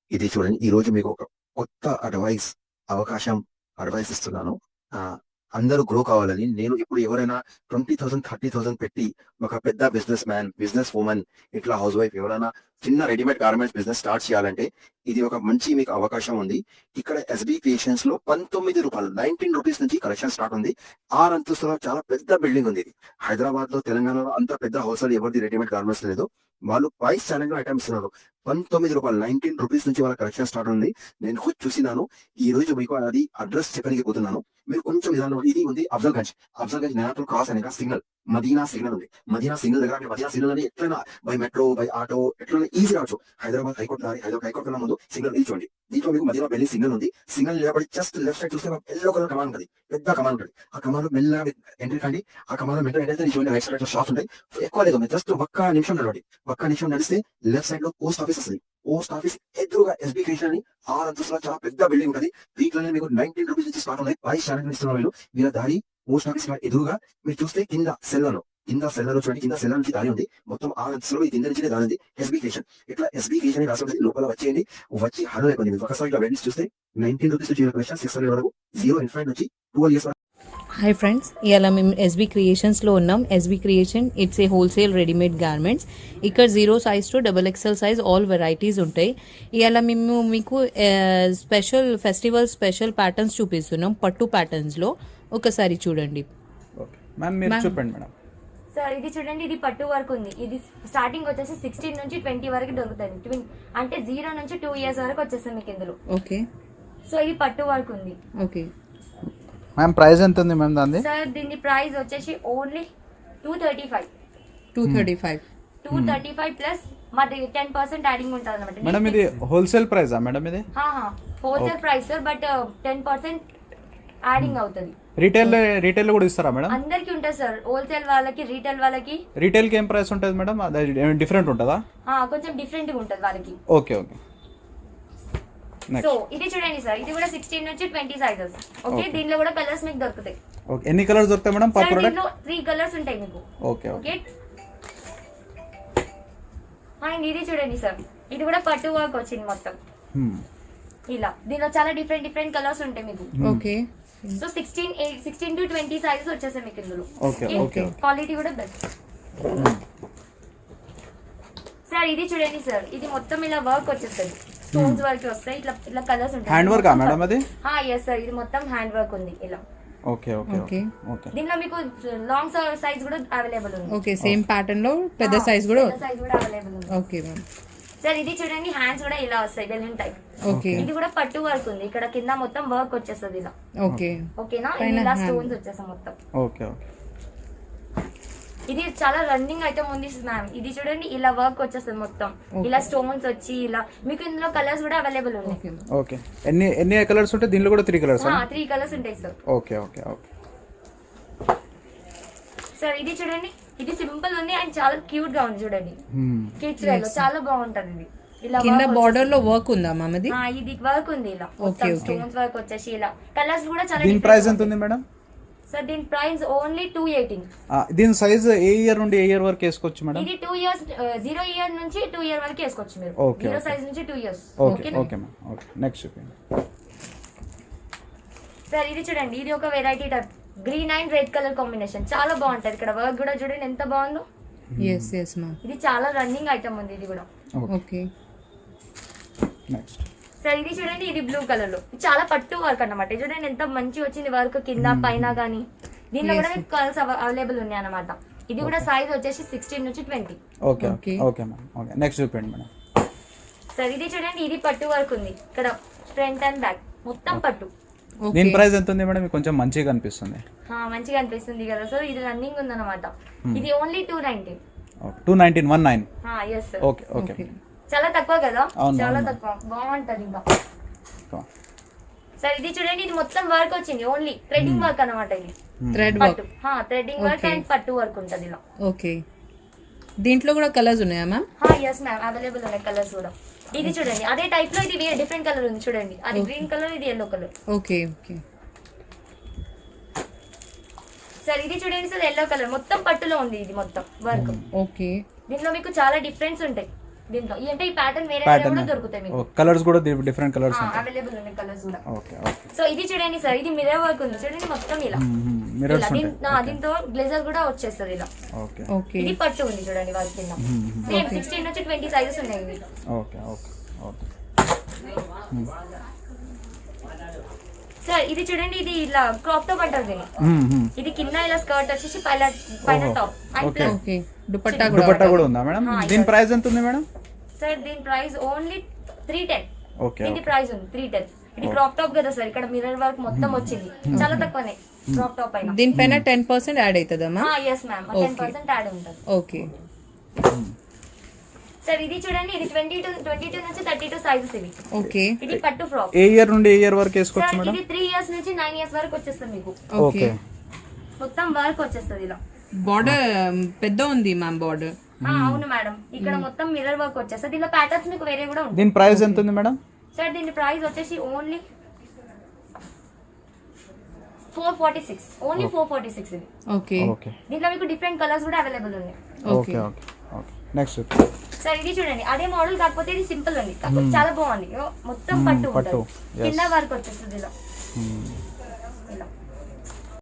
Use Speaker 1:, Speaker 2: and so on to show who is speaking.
Speaker 1: ఇది చూడండి, ఈ రోజు మీకు ఒక కొత్త అడ్వైస్ ఇస్తున్నాను. ఆ అందరూ గ్రో కావాలని. నేను ఇప్పుడు ఎవరైనా 20,000 30,000 పెట్టి ఒక పెద్ద బిజినెస్ మ్యాన్, బిజినెస్ ఉమెన్, ఇట్లా హౌస్ వైఫ్ ఎవరైనా చిన్న రెడీమేడ్ గార్మెంట్స్ బిజినెస్ స్టార్ట్ చేయాలంటే ఇది ఒక మంచి మీకు అవకాశం ఉంది. ఇక్కడ ఎస్బి క్రియేషన్స్ లో రూపాయలు 19 రూపీస్ నుంచి కలెక్షన్ స్టార్ట్ ఉంది. 6 అంతస్తుల చాలా పెద్ద బిల్డింగ్ ఉంది. ఇది హైదరాబాద్ లో, తెలంగాణలో అంత పెద్ద హౌస్ ఎవరిది రెడీమేడ్ గార్మెంట్స్ లేదు. వాళ్ళు ప్రైస్ ఛాలెంజ్ ఐటమ్స్ ఇస్తున్నారు. 19 రూపాయలు, 19 రూపీస్ నుంచి వాళ్ళ కలెక్షన్ స్టార్ట్ ఉంది. నేను ఖుద్ చూసినాను. ఈ రోజు మీకు అది అడ్రస్ చెప్పడానికి పోతున్నాను. మీరు కొంచెం విధానం, ఇది ఉంది అఫ్జల్ గంజ్ నేరాతుల్ క్రాస్ అనే సిగ్నల్, మదీనా సిగ్నల్ ఉంది. మదీనా సిగ్నల్ దగ్గర మీరు మదీనా సిగ్నల్ అని ఎట్లైనా బై మెట్రో, బై ఆటో, ఎట్లైనా ఈజీ రావచ్చు. హైదరాబాద్ హైకోర్టు కన్నా ముందు సిగ్నల్ ఇది చూడండి. దీంట్లో మీకు మదీనా బిల్డింగ్ సిగ్నల్ ఉంది. సిగ్నల్ నిలబడి జస్ట్ లెఫ్ట్ సైడ్ చూస్తే ఎల్లో కలర్ కమాన్ ఉంటుంది, పెద్ద కమాన్ ఉంటుంది. ఆ కమాన్ లో మెల్లగా ఎంట్రీ కండి. ఆ కమాన్ లో మెట్రో ఎంట్రీ చూడండి, రైట్ సైడ్ షాప్స్ ఉంటాయి. ఎక్కువ లేదు, జస్ట్ ఒక్క నిమిషం నడిస్తే లెఫ్ట్ సైడ్ లో పోస్ట్ ఆఫీస్ వస్తుంది. పోస్ట్ ఆఫీస్ ఎదురుగా ఎస్బి క్రియేషన్ అని 6 అంతస్తుల చాలా పెద్ద బిల్డింగ్ ఉంటుంది. దీంట్లోనే మీకు 19 రూపీస్ నుంచి స్టార్ట్ ఉన్నాయి. ప్రైస్ ఛాలెంజ్ ఇస్తున్నారు. వీళ్ళ దారి పోస్ట్ ఆఫీస్ ఎదురుగా మీరు చూస్తే కింద సెల్లర్ చూడండి. కింద సెల్లర్ నుంచి దారి ఉంది. మొత్తం 6 అంతస్తులో ఈ కింద నుంచి దారి ఉంది. ఎస్బి క్రియేషన్, ఇట్లా ఎస్బి క్రియేషన్ రాసి ఉంటుంది. లోపల వచ్చి హలో అయిపోయింది. మీకు ఒకసారి ఇట్లా వెండి చూస్తే 19 రూపీస్ నుంచి 600 వరకు, 0 ఇన్ఫైన్ నుంచి 12 ఇయర్స్.
Speaker 2: హాయ్ ఫ్రెండ్స్, ఇవాళ మేము ఎస్బీ క్రియేషన్స్లో ఉన్నాం. SB creation it's a wholesale readymade garments. ఇక్కడ 0 size to XXL size all varieties ఉంటాయి. ఇవాళ మేము మీకు ఫెస్టివల్ స్పెషల్ ప్యాటర్న్స్ చూపిస్తున్నాం, పట్టు ప్యాటర్న్స్లో. ఒకసారి చూడండి.
Speaker 3: చెప్పండి మేడం.
Speaker 4: సార్ ఇది చూడండి, ఇది పట్టు వర్క్ ఉంది. ఇది స్టార్టింగ్ వచ్చేసి 16 నుంచి 20 వరకు దొరుకుతుంది. అంటే 0 నుంచి 2 ఇయర్స్ వరకు వచ్చేస్తుంది మీకు ఇందులో.
Speaker 2: ఓకే,
Speaker 4: సో ఇది పట్టు వర్క్ ఉంది.
Speaker 2: ఓకే
Speaker 3: మ్యామ్, ప్రైస్ ఎంత ఉంది మ్యామ్ దాన్ని?
Speaker 4: సార్ దీని ప్రైస్ వచ్చేసి ఓన్లీ 235 ప్లస్ మాది 10% యాడింగ్ ఉంటుంది అనమాట.
Speaker 3: మేడం ఇది హోల్సేల్ ప్రైస్ మేడం? ఇది
Speaker 4: wholesale price sir, but 10% adding అవుతుంది.
Speaker 3: రీటైల్ కూడా ఇస్తారా మేడం?
Speaker 4: అందరికి ఉంటుంది సార్, హోల్సేల్ వాళ్ళకి, రీటైల్ వాళ్ళకి.
Speaker 3: రీటైల్ కి ఏం ప్రైస్ ఉంటుంది మేడం? డిఫరెంట్ ఉంటుందా?
Speaker 4: కొంచెం డిఫరెంట్ గా ఉంటుంది వాళ్ళకి.
Speaker 3: Okay okay.
Speaker 4: సో ఇది చూడండి సార్, ఇది కూడా 16 నుంచి 20 సైజెస్. ఓకే, దీనిలో కూడా కలర్స్ మీకు దొరుకుతాయి.
Speaker 3: ఓకే, ఎన్ని కలర్స్ దొరుకుతాయి మేడం పర్ ప్రొడక్ట్?
Speaker 4: దీనిలో 3 కలర్స్ ఉంటాయి మీకు.
Speaker 3: Okay okay.
Speaker 4: అండ్ ఇది చూడండి సార్, ఇది కూడా పట్టు వర్క్ వచ్చింది మొత్తం ఇలా. దీనిలో చాలా డిఫరెంట్ కలర్స్ ఉంటాయి మీకు.
Speaker 2: ఓకే,
Speaker 4: సో 16 to 20 సైజెస్ వచ్చేసాయి మీకు ఇందులో.
Speaker 3: Okay okay.
Speaker 4: క్వాలిటీ కూడా బెస్ట్. సార్ ఇది చూడండి సార్, ఇది మొత్తం ఇలా వర్క్ వచ్చేస్తుంది. స్టోన్స్ వర్క్ వస్తాయి, ఇట్లా కలర్స్ ఉంటాయి.
Speaker 3: హ్యాండ్ వర్క్ మేడం అది?
Speaker 4: yes సార్, ఇది మొత్తం హ్యాండ్ వర్క్ ఉంది ఇలా.
Speaker 3: Okay okay okay okay.
Speaker 4: దీనిలో మీకు లాంగ్ సైజ్ కూడా అవైలబుల్ ఉంది.
Speaker 2: ఓకే, సేమ్ ప్యాటర్న్ లో పెద్ద సైజ్ కూడా
Speaker 4: అవైలబుల్ ఉంది.
Speaker 2: Okay ma'am.
Speaker 4: సార్ ఇది చూడండి, హ్యాండ్స్ కూడా ఇలా వస్తాయి, బెలూన్ టైప్.
Speaker 2: ఓకే,
Speaker 4: ఇది కూడా పట్టు వర్క్ ఉంది. ఇక్కడ కింద మొత్తం వర్క్ వచ్చేస్తుంది ఇలా.
Speaker 2: ఓకే
Speaker 4: ఓకేనా, ఇలా స్టోన్స్ వచ్చేసాయి మొత్తం.
Speaker 3: Okay okay.
Speaker 4: ఇది చాలా రన్నింగ్ ఐటమ్ ఉంది మ్యామ్. ఇది చూడండి, ఇలా వర్క్ వచ్చేస్తుంది మొత్తం, ఇలా స్టోన్స్ వచ్చి ఇలా. మీకు ఇందులో కలర్స్ కూడా అవైలబుల్ ఉన్నాయి.
Speaker 3: ఓకే, ఎన్ని కలర్స్ ఉంటాయి దీనిలో? కూడా 3 కలర్స్?
Speaker 4: 3 కలర్స్ ఉంటాయి sir.
Speaker 3: Okay okay okay.
Speaker 4: Sir ఇది చూడండి, ఇది సింపుల్ ఉంది అండ్ చాలా క్యూట్ గా ఉంది చూడండి. కిడ్స్ వేర్ లో చాలా బాగుంటది. ఇది ఇలా
Speaker 2: కింద బార్డర్ లో వర్క్ ఉందా మ్యామ్? అది
Speaker 4: ఇది వర్క్ ఉంది ఇలా, స్టోన్స్ వర్క్ వచ్చేసి ఇలా. కలర్స్ కూడా చాలా.
Speaker 3: దీని ప్రైస్ ఎంత ఉంది మేడం?
Speaker 4: సార్ దీని ప్రైస్ ఓన్లీ 218.
Speaker 3: దీని సైజ్ ఏ ఇయర్ నుండి ఏ ఇయర్ వరకు వేసుకోవచ్చు మేడం?
Speaker 4: ఇది 2 ఇయర్స్, 0 ఇయర్ నుంచి 2 ఇయర్ వరకు వేసుకోవచ్చు మీరు. 0 సైజ్ నుంచి 2 years.
Speaker 3: Okay okay ma'am. Okay, next చూపించండి.
Speaker 4: సార్ ఇది చూడండి, ఇది ఒక variety type, green and red colour combination. చాలా బాగుంటది. ఇక్కడ వర్క్ కూడా చూడండి ఎంత బాగుందో.
Speaker 2: Yes ma'am.
Speaker 4: ఇది చాలా రన్నింగ్ ఐటమ్ ఉంది ఇది కూడా.
Speaker 2: Okay,
Speaker 3: next.
Speaker 4: సార్ ఇది చూడండి, ఇది బ్లూ కలర్ లో చాలా పట్టు వర్క్ అన్నమాట. చూడండి ఎంత మంచి వచ్చింది వర్క్ కింద పైన గానీ. దీనిలో కూడా మీకు కలర్స్ అవైలబుల్ ఉన్నాయి అన్నమాట. ఇది కూడా సైజ్ వచ్చేసి 16 నుంచి 20.
Speaker 3: Okay okay okay ma'am. Okay, next చూపించండి మేడం.
Speaker 4: సార్ ఇది చూడండి, ఇది పట్టు వర్క్ ఉంది. ఇక్కడ ఫ్రంట్ అండ్ బ్యాక్ మొత్తం పట్టు.
Speaker 3: దీని ప్రైస్ ఎంత ఉంది మేడం? కొంచెం మంచిగా అనిపిస్తుంది.
Speaker 4: మంచిగా అనిపిస్తుంది కదా సార్. ఇది రన్నింగ్ ఉంది అన్నమాట. ఇది only 219.
Speaker 3: 219.
Speaker 4: yes sir.
Speaker 3: Okay okay.
Speaker 4: చాలా తక్కువ కదా, చాలా తక్కువ, బాగుంటది ఇంకా. సార్ ఇది చూడండి, ఇది మొత్తం వర్క్ వచ్చింది, ఓన్లీ థ్రెడ్డింగ్ వర్క్ అన్నమాట. ఇది
Speaker 2: thread work,
Speaker 4: threading work and పట్టు వర్క్ ఉంటది ఇలా.
Speaker 2: ఓకే, దీంట్లో కూడా కలర్స్ ఉన్నాయా మ్యామ్?
Speaker 4: yes మ్యామ్, అవైలబుల్ ఉన్నాయి కలర్స్ కూడా. ఇది చూడండి, అదే టైప్ లో ఇది డిఫరెంట్ కలర్ ఉంది చూడండి. అది గ్రీన్ కలర్, ఇది yellow colour.
Speaker 2: Okay okay.
Speaker 4: Sir ఇది చూడండి సార్, yellow కలర్ మొత్తం పట్టులో ఉంది. ఇది మొత్తం వర్క్.
Speaker 2: ఓకే,
Speaker 4: దీనిలో మీకు చాలా డిఫరెన్స్ ఉంటాయి. దీంట్లో అంటే ఈ ప్యాటర్న్ వేరే
Speaker 3: ప్యాటర్న్
Speaker 4: కూడా దొరుకుతాయి మీకు.
Speaker 3: కలర్స్ కూడా డిఫరెంట్ కలర్స్ ఉంటాయి.
Speaker 4: అవైలబుల్ ఉన్నాయి కలర్స్ కూడా.
Speaker 3: Okay okay.
Speaker 4: సో ఇది చూడండి సార్, ఇది మిర్రర్ వర్క్ ఉంది చూడండి మొత్తం ఇలా.
Speaker 3: మిర్రర్స్
Speaker 4: ఇలా
Speaker 3: ఉంటాయి.
Speaker 4: దీంతో బ్లేజర్ కూడా వచ్చేస్తుంది ఇలా.
Speaker 3: ఓకే
Speaker 2: ఓకే
Speaker 4: ఇది పట్టు ఉంది చూడండి వాళ్ళ కింద. సేమ్ 16 నుంచి 20 సైజెస్ ఉన్నాయి ఇవి.
Speaker 3: Okay okay okay.
Speaker 4: సార్ ఇది చూడండి, ఇది ఇలా క్రాప్ టాప్ అంటారు దీన్ని. ఇది కింద ఇలా స్కర్ట్ వచ్చేసి పైన top and
Speaker 3: okay.
Speaker 4: Plus.
Speaker 2: Okay dupatta కూడా
Speaker 3: దుపట్టా కూడా ఉందా మేడం? దీని ప్రైస్ ఎంత ఉంది మేడం?
Speaker 4: సార్ దీని ప్రైస్ ఓన్లీ 310.
Speaker 3: ఓకే
Speaker 4: దీని ప్రైస్ ఉంది 310. ఇది క్రాప్ టాప్ కదా సార్, ఇక్కడ మిర్రర్ వర్క్ మొత్తం వచ్చింది, చాలా తక్కువనే క్రాప్ టాప్ అయినా.
Speaker 2: దీనిపైన 10% యాడ్ అవుతుందమ్మా?
Speaker 4: ఎస్ మ్యామ్, 10% యాడ్ ఉంటుంది.
Speaker 2: ఓకే
Speaker 4: సార్ ఇది చూడండి, ఇది 22 నుంచి 32 సైజెస్ ఇవి.
Speaker 2: ఓకే
Speaker 4: ఇది పట్టు ఫ్రాక్.
Speaker 3: ఏ ఇయర్ నుండి ఏ ఇయర్ వరకు వేసుకోవచ్చు
Speaker 4: సార్
Speaker 3: మేడం?
Speaker 4: ఇది 3 ఇయర్స్ నుంచి 9 ఇయర్స్ వరకు వచ్చేస్తుంది మీకు.
Speaker 3: ఓకే.
Speaker 4: మొత్తం వర్క్ వచ్చేస్తుంది ఇలా.
Speaker 2: బార్డర్ పెద్ద ఉంది మ్యామ్ బార్డర్.
Speaker 4: అవును మేడం, ఇక్కడ మొత్తం మిర్రర్ వర్క్ వచ్చేస్తుంది. దీనిలో ప్యాటర్న్స్ మీకు వేరే కూడా ఉంటాయి.
Speaker 3: దీని ప్రైస్ ఎంత ఉంది మేడం?
Speaker 4: సార్ దీని ప్రైస్ వచ్చేసి ఓన్లీ 446. ఓన్లీ 446 ఇది.
Speaker 2: ఓకే
Speaker 3: ఓకే
Speaker 4: దీంట్లో మీకు డిఫరెంట్ కలర్స్ కూడా అవైలబుల్ ఉన్నాయి.
Speaker 3: Okay okay okay. Next
Speaker 4: sir ఇది చూడండి, అదే మోడల్ కాకపోతే ఇది సింపుల్ ఉంది, కాకపోతే చాలా బాగుంది. మొత్తం పట్టు
Speaker 3: పట్టు,
Speaker 4: ఉంటుంది, కింద వర్క్ వచ్చేస్తుంది ఇలా.